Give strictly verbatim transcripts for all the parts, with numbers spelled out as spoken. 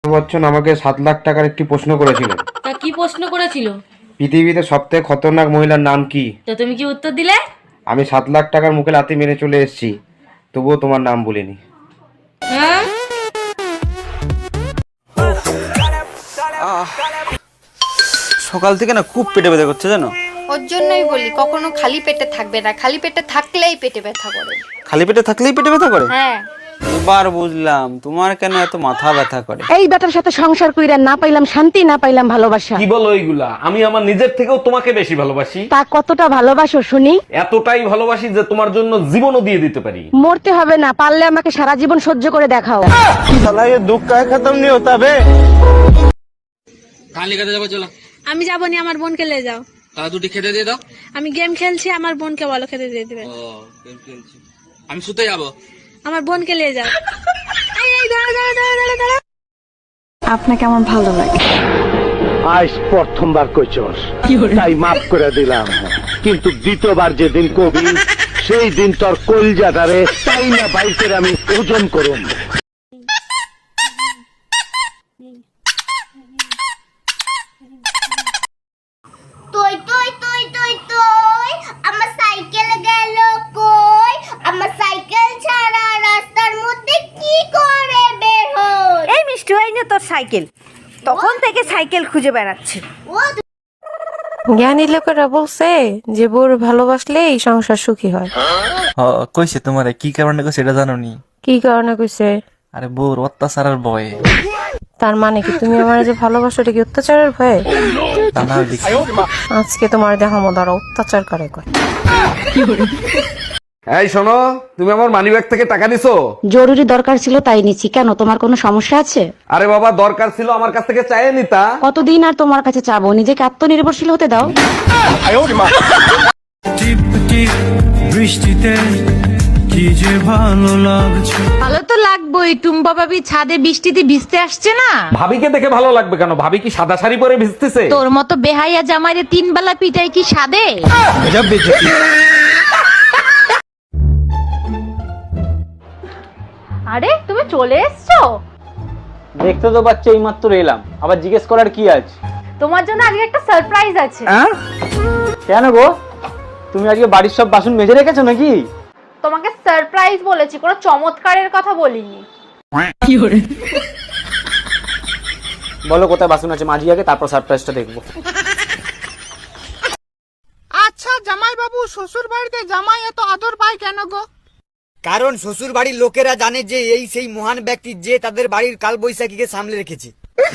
বচ্চন আমাকে সাত লাখ টাকার একটি প্রশ্ন করেছিল। তা কি প্রশ্ন করেছিল? পৃথিবীতে সবথেকে খতরনাক মহিলার নাম কি? তো তুমি কি উত্তর দিলে? আমি সাত লাখ টাকার মুখে লাথি মেরে চলে এসেছি, তবুও তোমার নাম বলিনি। হ্যাঁ, সকাল থেকে না খুব পেটে ব্যথা করছে জানো। ওর জন্যই বলি কখনো খালি পেটে থাকবে না, খালি পেটে থাকলেই পেটে ব্যথা করে। খালি পেটে থাকলেই পেটে ব্যথা করে? হ্যাঁ, এবার বুঝলাম তোমার কেন এত মাথা ব্যথা করে। এই বেটার সাথে সংসার কইরা না পাইলাম শান্তি, না পাইলাম ভালোবাসা। কি বলো এইগুলা? আমি আমার নিজের থেকেও তোমাকে বেশি ভালোবাসি। তা কতটা ভালোবাসো শুনি? এতটাই ভালোবাসি যে তোমার জন্য জীবনও দিয়ে দিতে পারি। মরতে হবে না, পারলে আমাকে সারা জীবন সহ্য করে দেখাও। শালা ये दुख का खत्म नहीं होता बे। कहाँ लेकर যাবো? চলো। আমি যাবো নি, আমার বোনকে নিয়ে যাও। তাহলে দুটি খেতে দিয়ে দাও। আমি গেম খেলছি, আমার বোনকে বলো খেতে দিয়ে দিবে। ও গেম খেলছি, আমি শুতে যাবো। আমার বোনকে নিয়ে যাও। এই এই দাঁড়া দাঁড়া দাঁড়া দাঁড়া দাঁড়া। আপনাকে আমার ভালো লাগে। আজ প্রথমবার কইছস, তাই মাফ করে দিলাম, কিন্তু দ্বিতীয়বার যেদিন কবি সেই দিন তোর কলজাটারে তাই না বাইর করে আমি ওজন করুম। তুই তুই তুই তুই তুই আমার সাইকেল গেল কই? আমার সাইকেল ছাড়া রাস্তার মধ্যে কি করে বের হই? এই মিষ্টি হয়নি তোর সাইকেল, তখন থেকে সাইকেল খুঁজে বেড়াচ্ছে। ও জ্ঞানী লোকেরা বলছে যে বউর ভালোবাসলে এই সংসার সুখী হয়। কইছে তোমারে কি কারণে কইছে এটা জানো নি? কি কারণে কইছে? আরে বউর অত্যাচারের ভয়ে। তার মানে কি তুমি আমার যে ভালোবাসো এটা কি অত্যাচারের ভয়ে? তা না দেখি আজকে তোমার দেখামো দ্বারা অত্যাচার করে কয়। এই শোনো, তুমি আমার মানিব্যাগ থেকে টাকা নিছো? জরুরি দরকার ছিল তাই নিচ্ছি। কেন, তোমার কোনো সমস্যা আছে? আরে বাবা, দরকার ছিল আমার কাছ থেকে চাইয়ে নিতা। কতদিন আর তোমার কাছে চাবো? নিজেকে আত্মনির্ভরশীল হতে দাও। বৃষ্টিতে কি যে ভালো লাগছে। ভালো তো লাগবেই। টুম্পা ভাবি ছাদে বৃষ্টিতে ভিজতে আসছে না? ভাবিকে দেখে ভালো লাগবে কেন? ভাবি কি সাদা শাড়ি পরে ভিজতেছে? তোর মতো বেহাইয়া জামাইরে তিন বেলা পিটাই কি সাদে? আরে তুমি চলে এসছো? দেখতে তো পাচ্ছি এই মাত্র এলাম, আবার জিজ্ঞেস করার কি আছে? তোমার জন্য আজকে একটা সারপ্রাইজ আছে। হ্যাঁ? কেন গো, তুমি আজকে বাড়ির সব বাসন মেজে রেখেছো নাকি? তোমাকে সারপ্রাইজ বলেছি, কোনো চমৎকারের কথা বলিনি। বলো কোথায় বাসন আছে, মাঝি আগে, তারপর সারপ্রাইজটা দেখবো। আচ্ছা জামাই বাবু, শ্বশুর বাড়িতে জামাই এত আদর পায় কেন গো? কারণ শ্বশুর বাড়ির লোকেরা জানে যে এই সেই মহান ব্যক্তি যে তাদের বাড়ির কালবৈশাখীকে সামলে রেখেছে।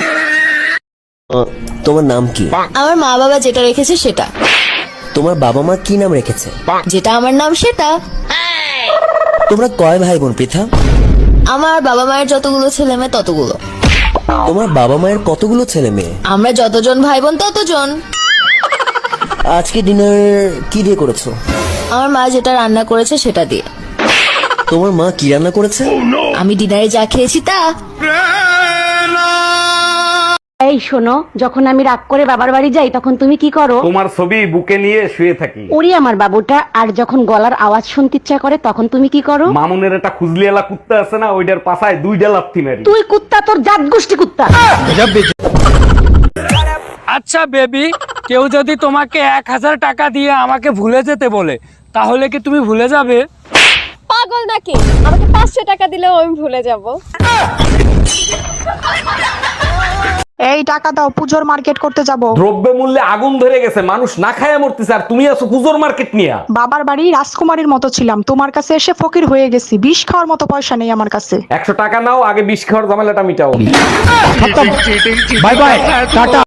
তোমার নাম কি? আমার মা বাবা যেটা রেখেছে সেটা। তোমার বাবা মা কি নাম রেখেছে? যেটা আমার নাম সেটা। তোমরা কয় ভাই বোন পৃথা? আমার বাবা মায়ের যতগুলো ছেলে মেয়ে ততগুলো। তোমার বাবা মায়ের কতগুলো ছেলে মেয়ে? আমরা যতজন ভাই বোন ততজন। আজকে ডিনার কি দিয়ে করেছো? আমার মা যেটা রান্না করেছে সেটা দিয়ে। তোমার মা কি রান্না করেছে? আমি ডিনারে যা খেয়েছি তা। এই শোনো, যখন আমি রাগ করে বাবার বাড়ি যাই তখন তুমি কি করো? তোমার ছবি বুকে নিয়ে শুয়ে থাকি। ওরে আমার বাবুটা। আর যখন গলার আওয়াজ শুনতে ইচ্ছা করে তখন তুমি কি করো? মামুনের একটা খুজলিয়ালা কুত্তা আছে না, ওইটার পাছায় দুইটা লাথি মারি। তুই কুত্তা, তোর জাত গোষ্ঠী কুত্তা। আচ্ছা বেবি, কেউ যদি তোমাকে এক হাজার টাকা দিয়ে আমাকে ভুলে যেতে বলে তাহলে কি তুমি ভুলে যাবে? পাগল নাকি? আমাকে পাঁচশো টাকা দিলেও আমি ভুলে যাব। এই টাকা দাও, পুজোর মার্কেট করতে যাব। দ্রব্য মূল্যে আগুন ধরে গেছে, মানুষ না খায় মরতেছে, আর তুমি আছো পুজোর মার্কেট নিয়া। বাবার বাড়ি রাজকুমারীর মতো ছিলাম, তোমার কাছে এসে ফকির হয়ে গেছি। বিষ খাওয়ার মতো পয়সা নেই আমার কাছে। একশো টাকা নাও, আগে বিষ খাওয়ার ঝামেলাটা মিটাও। Bye bye, tata.